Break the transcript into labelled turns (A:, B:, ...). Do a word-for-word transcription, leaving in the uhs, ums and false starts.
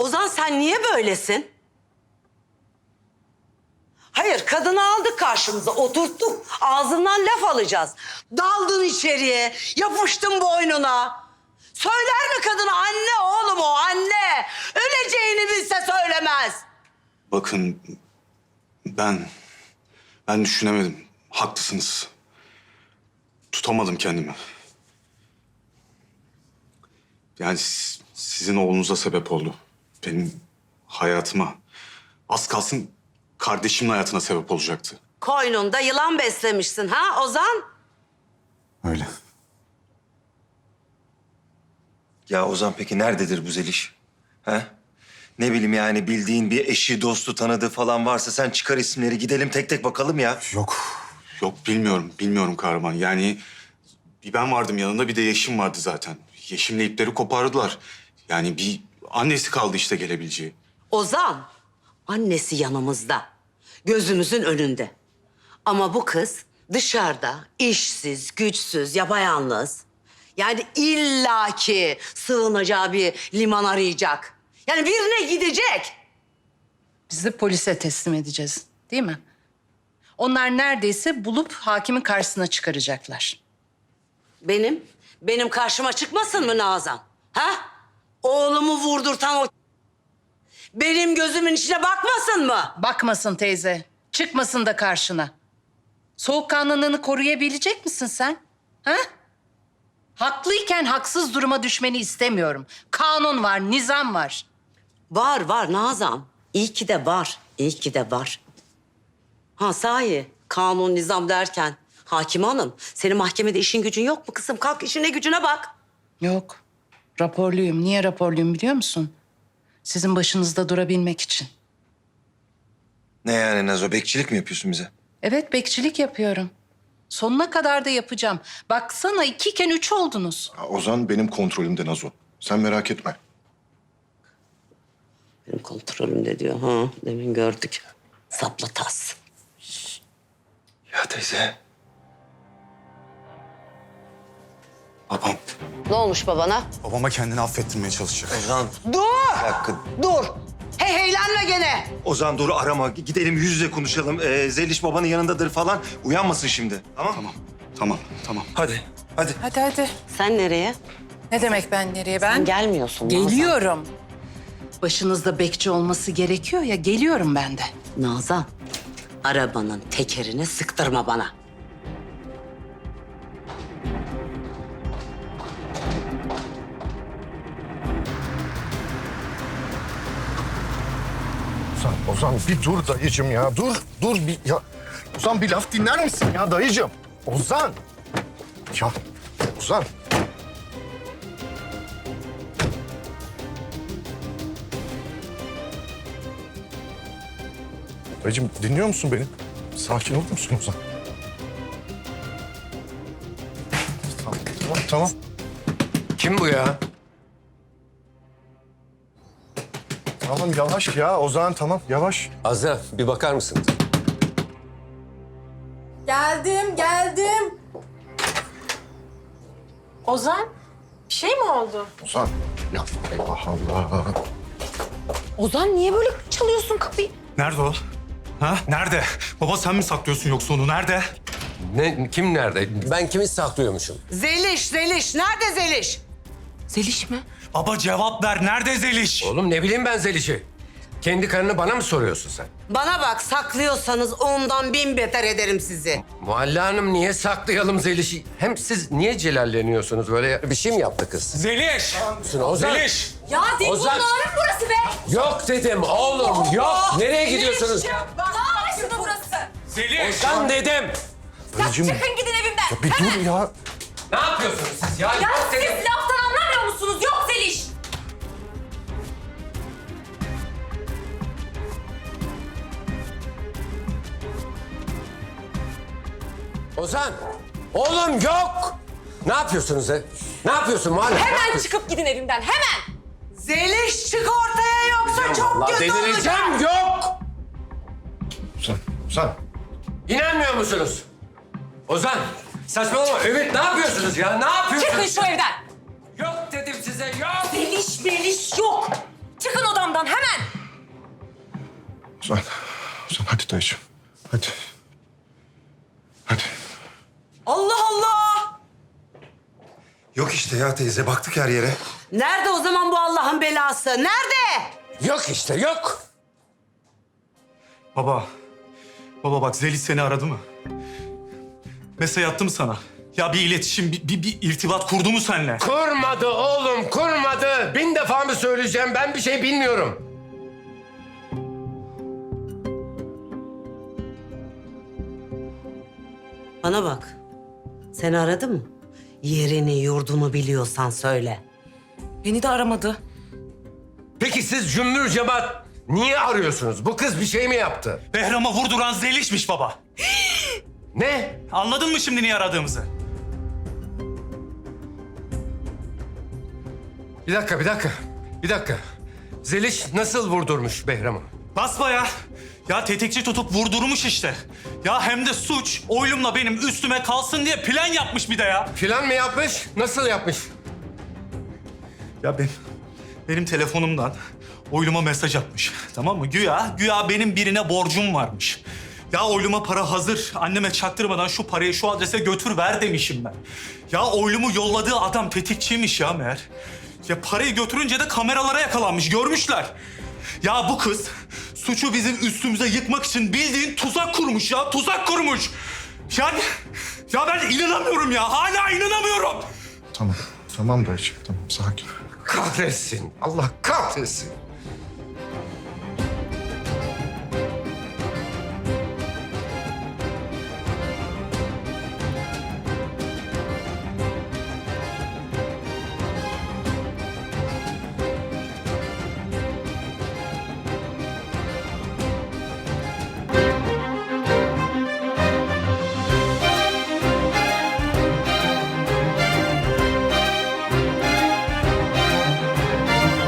A: Ozan sen niye böylesin? Hayır, kadını aldık karşımıza, oturttuk. Ağzından laf alacağız. Daldın içeriye, yapıştın boynuna. Söyler mi kadına anne oğlum o anne? Öleceğini bilse söylemez.
B: Bakın ben ben düşünemedim. Haklısınız. Tutamadım kendimi. Yani siz- sizin oğlunuza sebep oldu. Benim hayatıma. Az kalsın kardeşimin hayatına sebep olacaktı.
A: Koynunda yılan beslemişsin ha Ozan?
B: Öyle.
C: Ya Ozan peki nerededir bu Zeliş? He? Ne bileyim yani bildiğin bir eşi, dostu, tanıdığı falan varsa sen çıkar isimleri gidelim tek tek bakalım ya.
B: Yok. Yok bilmiyorum. Bilmiyorum kahraman. Yani bir ben vardım yanında bir de Yeşim vardı zaten. Yeşim'le ipleri kopardılar. Yani bir annesi kaldı işte gelebileceği.
A: Ozan, annesi yanımızda. Gözümüzün önünde. Ama bu kız dışarıda işsiz, güçsüz, yapayalnız. Yani illaki sığınacağı bir liman arayacak. Yani birine gidecek.
D: Biz de polise teslim edeceğiz, değil mi? Onlar neredeyse bulup hakimin karşısına çıkaracaklar.
A: Benim, benim karşıma çıkmasın mı Nazan? Ha? Oğlumu vurdurtan o... Benim gözümün içine bakmasın mı?
D: Bakmasın teyze, çıkmasın da karşına. Soğukkanlılığını koruyabilecek misin sen? Ha? Haklıyken haksız duruma düşmeni istemiyorum. Kanun var, nizam var.
A: Var var Nazan. İyi ki de var. İyi ki de var. Ha sahi kanun nizam derken hakim hanım senin mahkemede işin gücün yok mu kızım? Kalk işine gücüne bak.
D: Yok, raporluyum. Niye raporluyum biliyor musun? Sizin başınızda durabilmek için.
C: Ne yani Nazo, bekçilik mi yapıyorsun bize?
D: Evet, bekçilik yapıyorum. Sonuna kadar da yapacağım. Baksana ikiyken üç oldunuz.
E: Ya Ozan benim kontrolümde Nazo. Sen merak etme.
A: Benim kontrolümde diyor. Ha demin gördük. Sapla tas.
C: Ya teyze.
B: Babam.
A: Ne olmuş babana?
B: Babama kendini affettirmeye çalışacak.
C: Ozan
A: Dur!
C: bir dakika.
A: Dur! Hey heylenme gene.
C: Ozan dur arama. Gidelim yüz yüze konuşalım. Ee, Zeliş babanın yanındadır falan. Uyanmasın şimdi. Tamam mı?
B: Tamam. Tamam. Tamam.
C: Hadi. Hadi.
D: Hadi hadi.
A: Sen nereye?
D: Ne demek ben nereye ben?
A: Sen gelmiyorsun Nazan.
D: Geliyorum. Başınızda bekçi olması gerekiyor ya, geliyorum ben de.
A: Nazan, arabanın tekerini sıktırma bana.
E: Ozan, Ozan bir dur dayıcım ya. Dur, dur bir ya. Ozan bir laf dinler misin ya dayıcım? Ozan. Ya Ozan. Dayıcım dinliyor musun beni? Sakin olur musun Ozan? Tamam, tamam, tamam.
F: Kim bu ya?
E: Tamam yavaş ya Ozan tamam yavaş.
F: Azra bir bakar mısın?
G: Geldim, geldim. Ozan, bir şey mi oldu?
E: Ozan. Ya Allah Allah.
G: Ozan niye böyle çalıyorsun kapıyı?
B: Nerede o? Ha? Nerede? Baba sen mi saklıyorsun yoksa onu? Nerede?
F: Ne, kim nerede? Ben kimi saklıyormuşum?
A: Zeliş, Zeliş. Nerede Zeliş?
G: Zeliş mi?
B: Baba cevap ver. Nerede Zeliş?
F: Oğlum ne bileyim ben Zeliş'i. Kendi karını bana mı soruyorsun sen?
A: Bana bak saklıyorsanız ondan bin beter ederim sizi.
F: Muhalle Hanım niye saklayalım Zeliş'i? Hem siz niye celalleniyorsunuz böyle? Bir şey mi yaptı kız?
B: Zeliş!
F: Ozan.
B: Zeliş!
G: Ya Dilbur
F: Ozan.
G: Nağrı burası be!
F: Yok dedim oğlum yok. Nereye gidiyorsunuz?
G: Dağ başında burası.
B: Zeliş!
F: Ozan dedim.
E: Dayıcım ya
G: Çıkın gidin evimden.
E: bir dur ya.
F: Ne yapıyorsunuz siz ya?
G: Ya
F: Yok
G: siz
F: dedim.
G: laftan anlamıyor musunuz? Yok Zeliş.
F: Ozan. Oğlum yok. Ne yapıyorsunuz he? Ne yapıyorsun Muhalle? Ne
G: Hemen
F: yapıyorsun?
G: çıkıp gidin evimden, hemen.
A: Zeliş çık ortaya yoksa çok
F: Vallahi
A: kötü olacak.
F: delireceğim yok.
E: Ozan, Ozan.
F: İnanmıyor musunuz? Ozan, saçmalama. Ümit ne yapıyorsunuz ya? Ne yapıyorsunuz?
G: Çıkın şu evden.
F: Yok dedim size, yok.
G: Zeliş, Meliş yok. Çıkın odamdan. Ozan hemen.
E: Ozan, Ozan hadi dayıcığım. Hadi. Hadi.
A: Allah Allah!
C: Yok işte ya teyze baktık her yere.
A: Nerede o zaman bu Allah'ın belası? Nerede?
F: Yok işte yok.
B: Baba, baba bak Zeliş seni aradı mı? Mesaj attı mı sana? Ya bir iletişim, bir, bir, bir irtibat kurdu mu seninle?
F: Kurmadı oğlum kurmadı. Bin defa mı söyleyeceğim ben bir şey bilmiyorum.
A: Bana bak. Seni aradı mı? Yerini, yurdunu biliyorsan söyle.
G: Beni de aramadı.
F: Peki siz cümbür cemaat niye arıyorsunuz? Bu kız bir şey mi yaptı?
B: Behram'a vurduran Zeliş'miş baba.
F: Ne?
B: Anladın mı şimdi niye aradığımızı?
F: Bir dakika bir dakika. Bir dakika. Zeliş nasıl vurdurmuş Behram'ı?
B: Basbaya. Ya tetikçi tutup vurdurmuş işte. Ya hem de suç oylumla benim üstüme kalsın diye plan yapmış bir de ya.
F: Plan mı yapmış? Nasıl yapmış?
B: Ya ben, benim telefonumdan oyluma mesaj atmış. Tamam mı? Güya, güya benim birine borcum varmış. Ya oyluma para hazır. Anneme çaktırmadan şu parayı şu adrese götür ver demişim ben. Ya oylumu yolladığı adam tetikçiymiş ya meğer. Ya parayı götürünce de kameralara yakalanmış. Görmüşler. Ya bu kız suçu bizim üstümüze yıkmak için bildiğin tuzak kurmuş ya. Tuzak kurmuş. Yani ya ben inanamıyorum ya. Hala inanamıyorum.
E: Tamam. Tamam dayıcığım tamam sakin.
F: Kahretsin. Allah kahretsin.